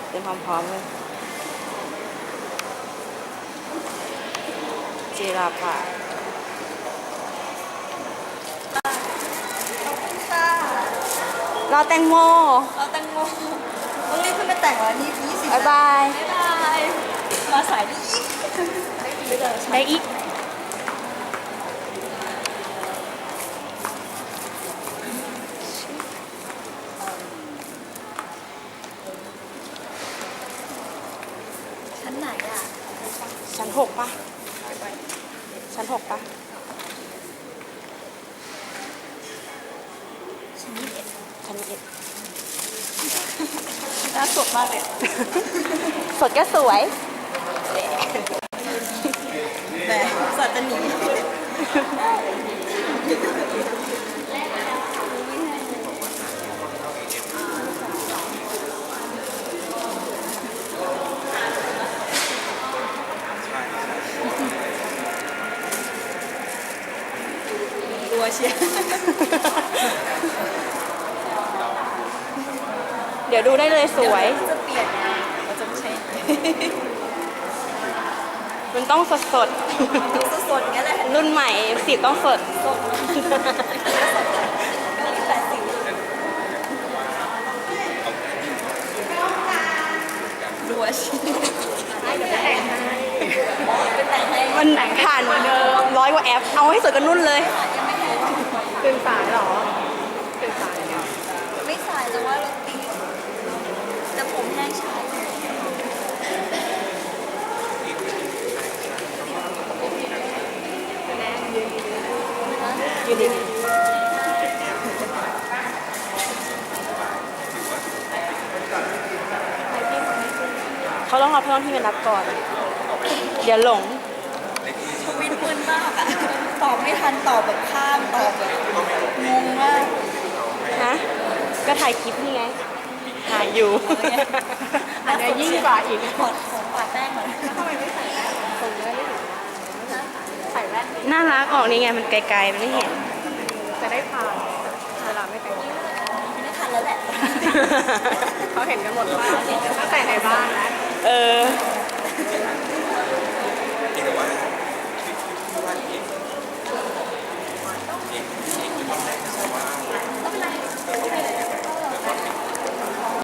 เตรียมพร้อมๆเลยจีราภาค่ะเราแตงโมเราแตงโมต้องรีบขึ้นไปแต่งแล้วนี่20 บ๊ายบายบ๊ายบายมาสายได้อีกได้อีกชั้นไหนอ่ะชั้นหกปะชั้นหกปะชั้น21 ชั้นเอ็ดน่าสดมากเลยสดก็สวยแต่สัตว์จะหนีรัวเชียร์เดี๋ยวดูได้เลยสวยจะเปลี่ยนไงเราจะไม่ใช่มันต้องสดสดดูสดๆอย่างเงี้ยแหละๆรุ่นใหม่สีต้องสดสดมีแต่สิวรัวเชียร์เป็นแต่งให้มันผ่านร้อยกว่าแอป เอาให้สวยกันนุ่นเลยยังไม่แห้งตื่นสายหรอตื่นสายเนี่ยไม่สายแต่ว่ารถติดแต่ผมแห้งช้าอยู่ดีเขาต้องรอเพื่อนที่มารับก่อน เดี๋ยวหลงทวิตมึนมากอะตอบไม่ทันตอบแบบข้ามตอบแบบงงมากฮะ ก็ถ่ายคลิปนี่ไง ถ่ายอยู่ อันนี้ยิ่งกว่าอีกขอปาดแป้งหน่อยทำไมไม่ใส่แป้งใส่แว่นน่ารักออกนี่ไง มันไกลๆ มันไม่เห็นจะได้ผ่านเวลาไม่แต่งไม่ทันแล้วแหละเขาเห็นกันหมดว่าตั้งแต่ในบ้านนะเออ